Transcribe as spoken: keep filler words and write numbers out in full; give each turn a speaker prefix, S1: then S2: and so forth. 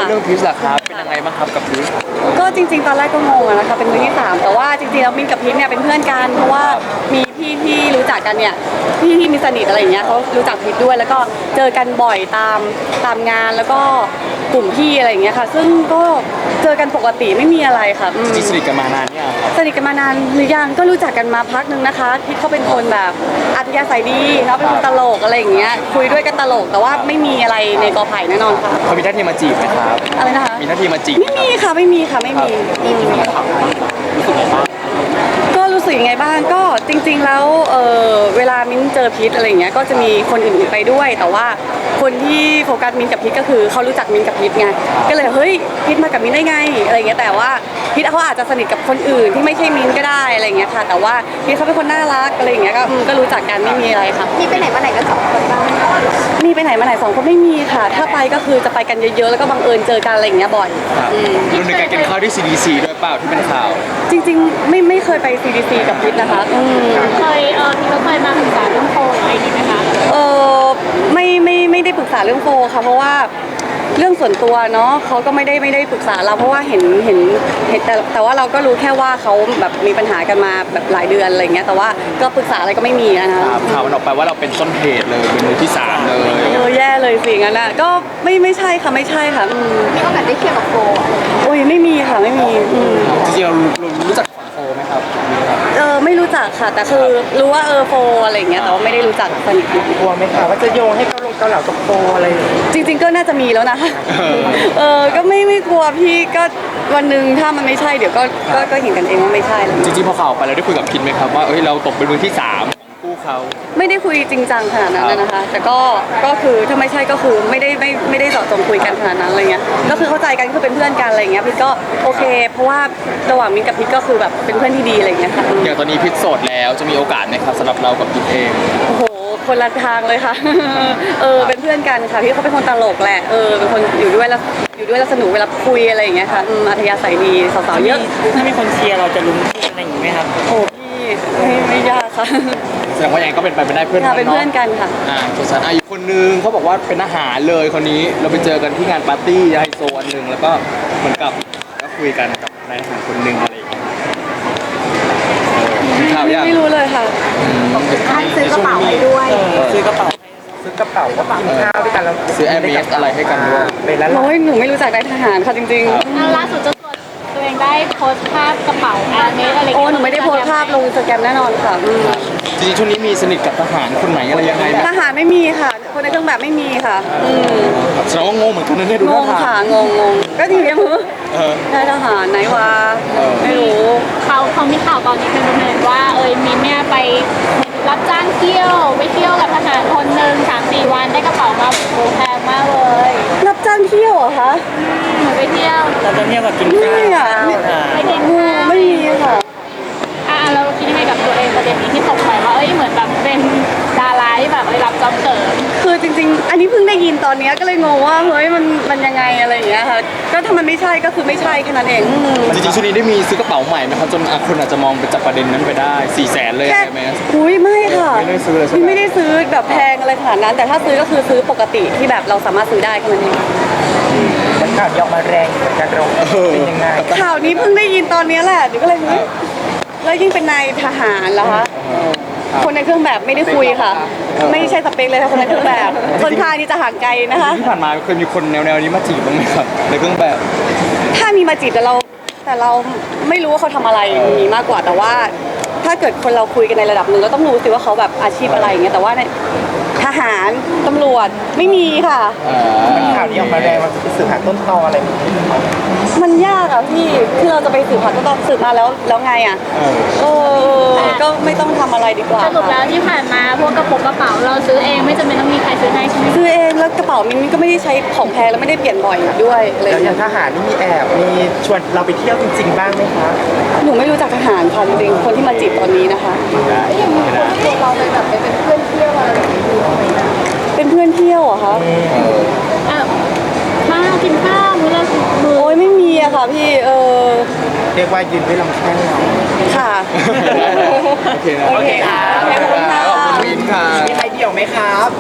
S1: เรื่องพีชล่ะครับเป็นยังไงบ้างครับกับพีช
S2: ก็จริงๆตอนแรกก็งงอะนะคะเป็นมือที่สามแต่ว่าจริงๆแล้วมินกับพีชเนี่ยเป็นเพื่อนกันเพราะว่ามีพี่ที่รู้จักกันเนี่ยพี่ที่มีสนิทอะไรอย่างเงี้ยเขารู้จักพีชด้วยแล้วก็เจอกันบ่อยตามตามงานแล้วก็กลุ่มพี่อะไรอย่างเงี้ยค่ะซึ่งก็เจอกันปกติไม่มีอะไรค่ะอืม
S1: จริงๆสนิทกันมานานเนี่ยงครับ
S2: สนิทกันมานานหรือยังก็รู้จักกันมาพักนึงนะคะพีชเขาเป็นคนแบบอัธยาศัยดีเขาเป็นคนตลกอะไรอย่างเงี้ยคุยด้วยกันตลกแต่ว่าไม่มีอะไรในกอไผ่แน่นอนค่ะ
S1: เขามีท่าทีมาจีบไหมครับ
S2: อะไรนะคะ
S1: มีท่าทีมาจีบ
S2: ไม่มีค่ะไม่มีค่ะไม่มีอืมก็รู้สึกยังไงบ้างก็จริงๆแล้วเออเวลามิ้นเจอพีทอะไรอย่างเงี้ยก็จะมีคนอื่นๆไปด้วยแต่ว่าคนที่โฟกัสมิ้นกับพีทก็คือเขารู้จักมิ้นกับพีทไงก็เลยเฮ้ยพีทมากับมิ้นได้ไงอะไรเงี้ยแต่ว่าพีทเขาอาจจะสนิทกับคนอื่นที่ไม่ใช่มิ้นก็ได้อะไรเงี้ยค่ะแต่ว่าพีทเขาเป็นคนน่ารักอะไรอย่างเงี้ยก็ก็รู้จักกันไม่มีอะไรค่ะ
S3: มีไปไหนมาไหนกันสองคนบ้าง
S2: มีไปไหนมาไหนสองคนไม่มีค่ะถ้าไปก็คือจะไปกันเยอะๆแล้วก็บังเอิญเจอกันอะไรอย่างเงี้ยบ่อย
S1: รวมถึงการกินข้าวที่ ซี ดี ซี ด้วยเปล่าที่เป็นข่าว
S2: จริงๆไม่ไม่เคยไป ซี ดี ซี กับพีทนะคะ
S3: เคยเออพี่ก็เคยมาศึกษาเรื่องโควิดอะไรอย่างนี้ไหมคะ
S2: เออไม่ไม่ไม่ได้ปรึกษาเรื่องโฟค่ะเพราะว่าเรื่องส่วนตัวเนาะเขาก็ไม่ได้ไม่ได้ปรึกษาเราเพราะว่าเห็นเห็นเห็นแต่แต่ว่าเราก็รู้แค่ว่าเขาแบบมีปัญหากันมาแบบหลายเดือนอะไรเงี้ยแต่ว่าก็ปรึกษาอะไรก็ไม่มีนะคะ
S1: ข่าวมันออกไปว่าเราเป็นต้นเหตุเลยเป็นมือที่สามเลย
S2: เออแย่เลยสิงั้นอ่ะก็ไม่ไม่ใช่ค่ะไม่ใช่ค่ะ
S3: มีโอกาสได้เคลียร์กับโฟ
S2: โอ้ยไม่มีค่ะไม่มี
S1: จริงๆเรารู้จักฝั่งโฟไหมครับ
S2: เออไม่รู้จักค่ะแต่คือรู้ว่าเออโฟอะไรเงี้ยแต่ว่าไม่ได้รู้จักสนิท
S4: กลัวไหมคะว่าจะโยงให้เขาลงเกาเหลากับโฟอะไร
S2: จริงๆก็น่าจะมีแล้วนะเออก็ไม่ไม่กลัวพี่ก็วันหนึ่งถ้ามันไม่ใช่เดี๋ยวก็ก็ก็เห็นกันเองว่าไม่ใช่แล้ว
S1: จริงๆพอข่าวไปเราได้คุยกับพินไหมครับว่าเอ้ยเราตกเป็นมือที่สามคู่เขา
S2: ไม่ได้คุยจริงจังขนาดนั้นนะคะแต่ก็ก็คือถ้าไม่ใช่ก็คือไม่ได้ไม่ไม่ได้เจาะจงคุยกันขนาดนั้นอะไรเงี้ยก็คือเข้าใจกันคือเป็นเพื่อนกันอะไรเงี้ยพี่ก็โอเคเพราะว่าระหว่างมิ้นกับพี่ก็คือแบบเป็นเพื่อนที่ดีอะไรเงี้ยค่ะ
S1: อย่างตอนนี้พิษโสดแล้วจะมีโอกาสไหมครับสำหรับเรากับพิษเอง
S2: โอ้โหคนละทางเลยค่ะเออเป็นเพื่อนกันค่ะพี่เขาเป็นคนตลกแหละเออเป็นคนอยู่ด้วยแล้วอยู่ด้วยแล้วสนุกเวลาคุยอะไรอย่างเงี้ยค่ะอัธยาศัยดีสาวๆเยอะ
S4: ถ้ามีคนเชียร์เราจะลุ้นอะไรอย่างนี้ไหมครับ
S2: โอ้พี่ไม่ไม่ยากค่ะ
S1: แสดงว่ายังก็เป็นไปไม่ได้เพื่อน
S2: ค่ะเป็นเพื่อนกันค่ะ
S1: อ่าส่วนอ่ะอีกคนนึงเขาบอกว่าเป็นอาหารเลยคนนี้เราไปเจอกันที่งานปาร์ตี้ไฮโซอันหนึ่งแล้วก็เหมือนกับก็คุยกันกับนายอาหารคนหนึ่งอะไรอย่างเงี้ยข่าวยัง
S2: ไม่รู้เลยค่ะ
S3: ให้ซื้อกระเป๋าให้ด้วย
S4: ซื้อกระเป๋าซื้อกระเป๋าก็กินข้าวด้วยกันแล้ว
S1: ซื้อแอร์เมสอะไรให้กันด้วย
S4: เป็นแล้ว
S2: โอ้ยหนูไม่รู้จักนายทหารค่ะจริง
S3: ๆล่าสุดเจ้าตัวตัวเองได้โพสต์ภาพกระเป๋าแอร์เมสอะไร
S2: โอ้หนูไม่ได้โพสต์ภาพลงอินสตาแกรมแน่นอนค่ะ
S1: จริงๆช่วงนี้มีสนิทกับทหารคนไหนอะไรยังไงไหม
S2: ทหารไม่มีค่ะคนในเครื่องแบบไม่มีค่ะ
S1: แสดงว่างงเหมือนกันนะเนี่ยดู
S2: งงค่ะงงงงก็ทีนี้มือนายทหารไหนวะไม่รู้
S3: เขาเขามีข่าวตอนนี้เป็นประเด็นว่าเอยมินเนี่ยไปรับจ้างเที่ยวไปเที่ยวกับทหารคนหนึ่งสามสี่วันได้กระเป๋ามาโอ้แพงมากเลย
S2: รับจ้างเที่ยวเหรอคะ
S3: หนูไปเที่ยว
S4: เราจะเที่ยวกับกินข้าว
S2: ไม่อ่ะ
S3: ไม่กิน
S2: ไม่มีค่ะ
S3: อ่าเราคิดยังไงกับตัวเองประเด็นนี้ที่ตกไปว่าเอ้ยเหมือนแบบเป็นดาราที่แบบได้รับจ็อบเสริม
S2: คือจริงๆอันนี้เพิ่งได้ยินตอนนี้ก็เลยงงว่าเฮ้ยมันมันยังไงอะไรอย่างเงี้ยค่ะก็ถ้ามันไม่ใช่ก็คือไม่ใช่แค่นั้นเอง
S1: จริงๆช่วงนี้ได้มีซื้อกระเป๋าใหม่ไหมครับจนคนอาจจะมองไปจากประเด็นนั้นไปได้สี่แสนเลยใช่ไหม
S2: อุ้ยไม่ค่ะ
S1: ไม่ได้ซื้อเลยใช่ไหม
S2: ไม่ได้ซื้อแบบแพงอะไรขนาดนั้นแต่ถ้าซื้อก็คือซื้อปกติที่แบบเราสามารถซื้อได้แค่นั้นเอง
S4: แล้วข่าวยอมมาแรงเหมือนกันเราเป็นยังไง
S2: ข่าวนี้เพิ่งได้ยินตอนนี้แหละเดี๋ยวก็เลยเฮ้ยแล้วยิ่งเป็นนายทหารเหรอคะคนในเครื่องแบบไม่ได้คุยค่ะไม่ใช่สเปคเลยค่ะคนในเครื่องแบบคนทายนี่จะห่างไกลนะคะ
S1: ที่ผ่านมาเคยมีคนแนวๆนี้มาจีบบ้างไหมครับในเครื่องแบบ
S2: ถ้ามีมาจีบแต่เราแต่เราไม่รู้ว่าเขาทำอะไรมีมากกว่าแต่ว่าถ้าเกิดคนเราคุยกันในระดับหนึ่งก็ต้องรู้สิว่าเขาแบบอาชีพอะไรอย่างเงี้ยแต่ว่าในทหารตำรวจไม่มีค่ะ
S4: ข่าวนี้ออกมาแรงมันจะไปสืบหาต้นตออะไร
S2: มันยากอะพี่ที่เราจะไปสืบหาต้นตอสืบมาแล้วแล้วไงอะเออก็ไม่ต้องทำอะไรดีกว่า
S3: สรุปแล้วที่ผ่านมาพวกกระปุกกระเป๋าเราซื้อเองไม่จำเป็นต้องมีใครซื้อให้ใช่ไหม
S2: ซื้อเองแล้วกระเป๋ามินก็ไม่ได้ใช้ของแพงแล้วไม่ได้เปลี่ยนบ่อยด้วยเลย
S4: แล้วอย่างทหารนี่มีแอบมีชวนเราไปเที่ยวจริงๆบ้างไหมคะ
S2: หนูไม่รู้จักทหารค่ะจริงๆคนที่มาจีบตอนนี้นะคะ
S3: อย่างนี้ตัวเราไปแบบไปเป็นเพื่อนเที่ยวอะไรแบบนี้
S2: เป็นเพื่อนเที่ยวเหรอคะ
S3: มากินข้าวมื้อละมื้อ
S2: โอ้ยไม่มีอะค่ะพี่เออ
S4: เรียกว่ายืนไว้ลำแข้งเรา
S2: ค่ะ
S1: โอเคนะ
S4: โอเคค่ะ
S1: ขอบคุณค่ะ
S4: มีใครเดี่ยวไหมครับ